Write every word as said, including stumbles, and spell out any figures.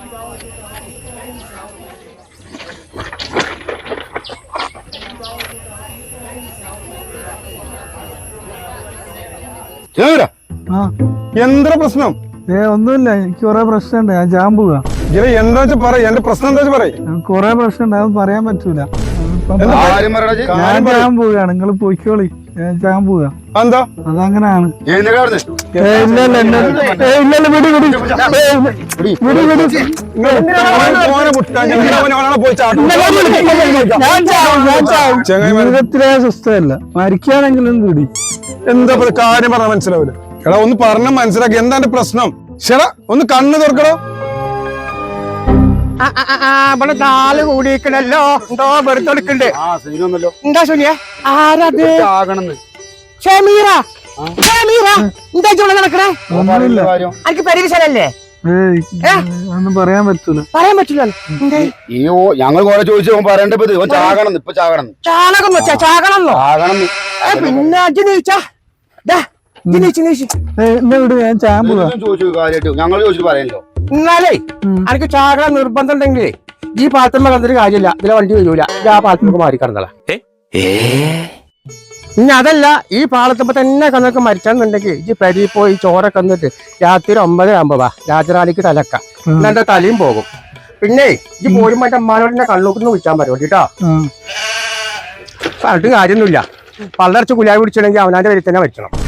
എന്താ പ്രശ്നം? ഏ ഒന്നുമില്ല, എനിക്ക് കൊറേ പ്രശ്നമുണ്ട്. ഞാൻ ജാൻ പോവാ. എന്താ വെച്ചാ പറ, എന്റെ പ്രശ്നം എന്താ പറയും. കൊറേ പ്രശ്നമുണ്ട്, അത് പറയാൻ പറ്റൂല. ഞാൻ ജാൻ പോവുകയാണ്, നിങ്ങൾ പോയിക്കോളി. ഞാൻ ജാൻ പോവാ. എന്താ അതങ്ങനാണ്. ജീവിതത്തിലെ സ്വസ്ഥമല്ല, മരിക്കുകയാണെങ്കിലും കൂടി. എന്താ കാര്യം പറഞ്ഞാൽ മനസ്സിലാവില്ല. എടാ ഒന്ന് പറഞ്ഞ മനസ്സിലാക്കി, എന്താ എന്റെ പ്രശ്നം? ശരാ ഒന്ന് കണ്ണ് തുറക്കണോ? ഇവിടെ നാല് കൂടിക്കണല്ലോ. എന്തോ വെറുതെ എടുക്കണ്ട്. എന്താ സുനിയ? ആരത്? ഷമീറ. ഷമീറ എന്താ ഇവിടെ നടക്കണേ? എനിക്ക് പരിചയല്ലേ? ഒന്നും പറയാൻ പറ്റൂല. പറയാൻ പറ്റൂല. അയ്യോ ഞങ്ങൾ കുറെ ചോദിച്ചു പറയണ്ടത് ചാകണം. ഇപ്പൊ ചാകണം. ചാണകം വെച്ചാ ചാകണമെന്നോ? പിന്നെ അജ് നീച്ചാ ഞാൻ ചാൻ പോവാ. ഞങ്ങൾ ചോദിച്ചിട്ട് പറയാനല്ലോ. എന്നാലേ എനിക്ക് ചാകണം നിർബന്ധം ഉണ്ടെങ്കിലേ ഈ പാലത്തുമ്പോ കണ്ടിട്ട് കാര്യമില്ല. ഇതിലെ വണ്ടി വരൂല. ആ പാലത്തുമ്പോ മാറി കടന്നള. ഇനി അതല്ല, ഈ പാലത്തുമ്പോ തന്നെ കന്നൊക്കെ മരിച്ചാന്നുണ്ടെങ്കിൽ ഈ പരി പോയി ചോറൊക്കെ വന്നിട്ട് രാത്രി ഒമ്പത് ആകുമ്പോ വാ രാജറാണിക്ക് തലക്ക എന്നെ തലയും പോകും. പിന്നെ ഈ പോരും മറ്റേ അമ്മാനോടെ കണ്ണൂക്കിന്ന് വിളിച്ചാൻ പറ്റും കേട്ടോ. പറഞ്ഞിട്ട് കാര്യമൊന്നുമില്ല. പള്ളർച്ച് കുലായി പിടിച്ചിട്ടുണ്ടെങ്കിൽ അവനാന്റെ പേരിൽ തന്നെ വെച്ചണം.